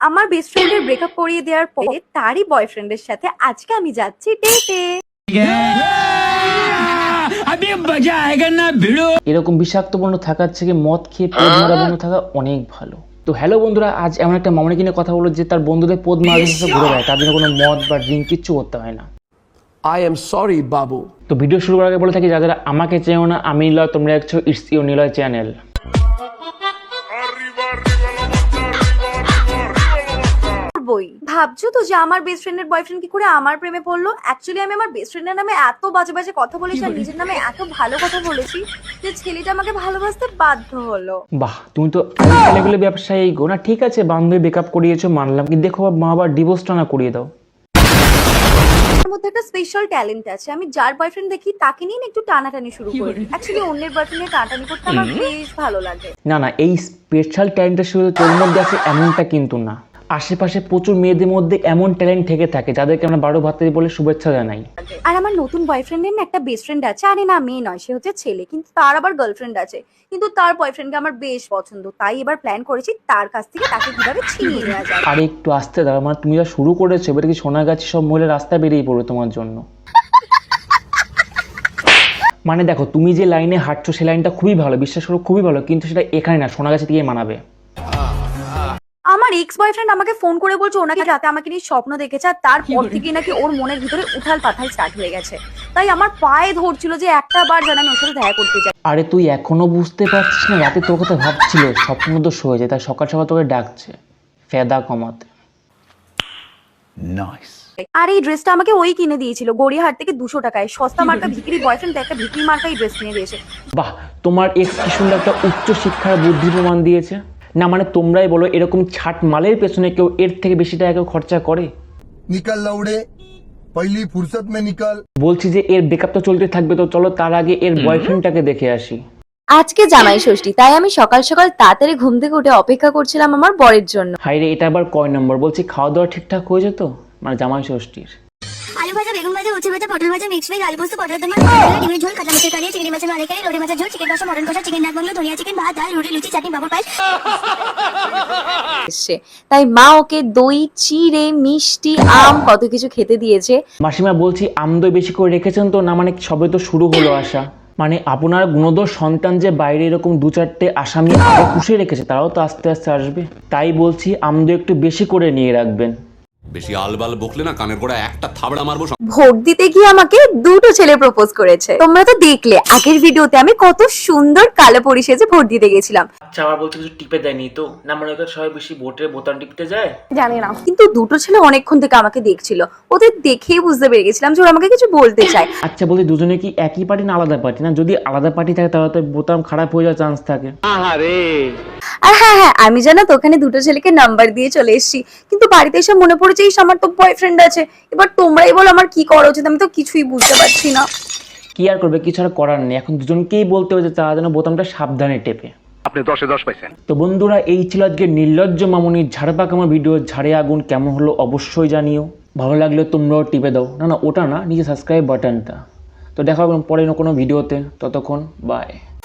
আমার বেস্ট ফ্রেন্ডের ব্রেকআপ করিয়ে দেওয়ার পরে তারই বয়ফ্রেন্ডের সাথে আজকে আমি যাচ্ছি ডেটে। এরকম বিষাক্তপূর্ণ থাকার থেকে মদ খেয়ে পদ মারা বন্ধু থাকা অনেক ভালো। তো হ্যালো বন্ধুরা, আজ এমন একটা মামনি কিনে কথা বলো যে তার বন্ধুদের পদ মারার সাথে ঘুরে বেড়ায়, তার জন্য কোনো মদ বা ড্রিঙ্ক কিচ্ছু করতে হয় না। I am sorry, বাবু। তো ভিডিও শুরু করার আগে বলে থাকি, যারা আমাকে চেনো না, আমি নিলয়, তোমরা দেখছো ইটস ইউর নিলয় চ্যানেল। ভাবছো তো যে আমার বেস্ট ফ্রেন্ডের বয়ফ্রেন্ড কি করে আমার প্রেমে পড়লো? অ্যাকচুয়ালি আমি আমার বেস্ট ফ্রেন্ডের নামে এত বাজে বাজে কথা বলেছি আর নিজের নামে এত ভালো কথা বলেছি যে ছেলেটা আমাকে ভালোবাসতে বাধ্য হলো। বাহ, তুমি তো ছেলেগুলো ব্যবসায়ী গো না। ঠিক আছে, বান্ধবী ব্রেকআপ করিয়েছো মানলাম, কিন্তু দেখো মা আবার ডিভোর্সটা না করিয়ে দাও। আমার মধ্যে একটা স্পেশাল ট্যালেন্ট আছে, আমি যার বয়ফ্রেন্ড দেখি তাকে নিয়ে একটু টানাটানি শুরু করি। অ্যাকচুয়ালি অন্যের বয়ফ্রেন্ডের টানাটানি করতে আমার বেশ ভালো লাগে। না না, এই স্পেশাল ট্যালেন্টটা শুধু তোর মধ্যে আছে এমনটা কিন্তু না। আশেপাশে প্রচুর মেয়েদের মধ্যে এমন ট্যালেন্ট থেকে থাকে যাদেরকে আমরা বারো ভাতারি বলে শুভেচ্ছা জানাই। আর আমার নতুন বয়ফ্রেন্ডের না একটা বেস্ট ফ্রেন্ড আছে, আরে না মেয়ে নয়, সে হচ্ছে ছেলে, কিন্তু তার আবার গার্লফ্রেন্ড আছে, কিন্তু তার বয়ফ্রেন্ডকে আমার বেশ পছন্দ। তাই এবার প্ল্যান করেছি তার কাছ থেকে তাকে কিভাবে ছিনিয়ে নেওয়া যায়। আরে একটু আসতে দাও, মানে তুমি যা শুরু করেছো এবার কি সোনাগাছি সব মহিলা রাস্তায় বেরিয়ে পড়বে তোমার জন্য। মানে দেখো, তুমি যে লাইনে হাঁটছো সেই লাইনটা খুবই ভালো, বিশ্বাস করো খুবই ভালো, কিন্তু সেটা এখানে না, সোনাগাছি থেকে মানাবে। আমার এক্স বয়ফ্রেন্ড আমাকে ফোন করে বলছে ওনাকে রাতে আমাকে নিয়ে স্বপ্ন দেখেছে, আর তারপর থেকে নাকি ওর মনের ভিতরে উথাল পাথাল স্টার্ট হয়ে গেছে। তাই আমার পায়ে ধরছিল যে একটা বার যেন আমি ওর সাথে দেখা করতে যাই। আরে তুই এখনো বুঝতে পারছিস না? রাতে তোর কথা ভাবছিল, স্বপ্ন দোষ হয়ে যায়, তাই সকাল সকাল তোকে ডাকছে ফেদা কমাতে। আর এই ড্রেসটা আমাকে ওই কিনে দিয়েছিল গড়িয়াহাট থেকে 200 টাকায়। সস্তা মার্কা ভিকিরি বয়ফ্রেন্ড একটা ভিকিরি মার্কা এই ড্রেস কিনে দিয়েছে। বাহ, তোমার এক্স কি সুন্দর একটা উচ্চ শিক্ষার বুদ্ধি প্রমাণ দিয়েছে না। মানে তোমরাই বলো, এরকম ছাট মালের পেছনে কেউ এর থেকে বেশি টাকা কেউ খরচা করে? নিকাল লাউড়ে পহলি ফুরসত মে নিকাল। বলছি যে এর ব্রেকআপ তো চলতে থাকবে, তো চলো তার আগে এর বয়ফ্রেন্ডটাকে দেখে আসি। আজকে জামাই ষষ্ঠী, তাই আমি সকাল সকাল তাড়াতাড়ি ঘুম থেকে উঠে অপেক্ষা করছিলাম আমার বরের জন্য। হাইরে, এটা আবার কয় নম্বর? বলছি খাওয়া দাওয়া ঠিকঠাক হয়েছে তো, মানে জামাই ষষ্ঠীর? আলু ভাজা, বেগুন ভাজা, উচ্ছে ভাজা, পটল ভাজা, মিক্স ভেজ, আলু পোস্ত, পটল দমা, ডিমের ঝোল, কাতলা মাছের কালিয়া, চিংড়ি মাছের মালাইকারি, লোটে মাছের ঝোল, চিকেন কষা, মটন কষা, চিকেন নাক বাংলো, ধনিয়া চিকেন, ভাত, ডাল, রুটি, লুচি, চাটনি, পাঁপড়, পায়েস। তাই মা ওকে দই, চিড়ে, মিষ্টি, আম কত কিছু খেতে দিয়েছে। মাসিমা বলছি আমদই বেশি করে রেখেছেন তো? না মানে সবে তো শুরু হলো আসা। মানে আপনার গুণদোষ সন্তান যে বাইরে এরকম দু চারটে আসামি আগে পুষে রেখেছে, তারাও তো আস্তে আস্তে আসবে। তাই বলছি আমদো একটু বেশি করে নিয়ে রাখবেন। বেশি আলবাল বকলে না কানের গোড়া একটা থাবড়া মারবো। ভোট দিতে গিয়ে আমাকে দুটো ছেলে প্রপোজ করেছে। তোমরা তো দেখলে আগের ভিডিওতে আমি কত সুন্দর কালো পরি সেজে ভোট দিতে গেছিলাম। আচ্ছা, আবার বলছি কিছু টিপে দেয়নি তো? না মানে ওদের সবাই বেশি ভোটের বোতাম টিপতে যায়। জানি না, কিন্তু দুটো ছেলে অনেকক্ষণ থেকে আমাকে দেখছিল, ওদের দেখেই বুঝতে পেরে গেছিলাম যে ওরা আমাকে কিছু বলতে চায়। আচ্ছা বলছি, দুজনে কি একই পার্টি না আলাদা পার্টি? না যদি আলাদা পার্টি থাকে তাহলে তো বোতাম খারাপ হয়ে যাওয়ার চান্স থাকে। আর হ্যাঁ, আমি জানো তো ওখানে দুটো ছেলেকে নাম্বার দিয়ে চলে এসেছি, কিন্তু বাড়িতে এসে মনে পড়েছে আমার তো বয়ফ্রেন্ড আছে। এবার তোমরাই বলো আমার কি করা উচিত, আমি তো কিছুই বুঝতে পারছি না। কি আর করবে, কিছু আর করার নেই, এখন দুজনকেই বলতে হবে যে তারা যেন বোতামটা সাবধানে টেপে। আপনি 10-এ 10 পাইছেন। তো বন্ধুরা, এই ছিল আজকে নির্লজ্জ মামুনির ঝাড়পাকামা ভিডিও। ঝাড়ে আগুন কেমন হলো অবশ্যই জানিও। ভালো লাগলে তোমরাও টিপে দাও। না ওটা না, নিজে সাবস্ক্রাইব বাটনটা। তো দেখা হবে পরে কোনো ভিডিওতে, ততক্ষণ বাই।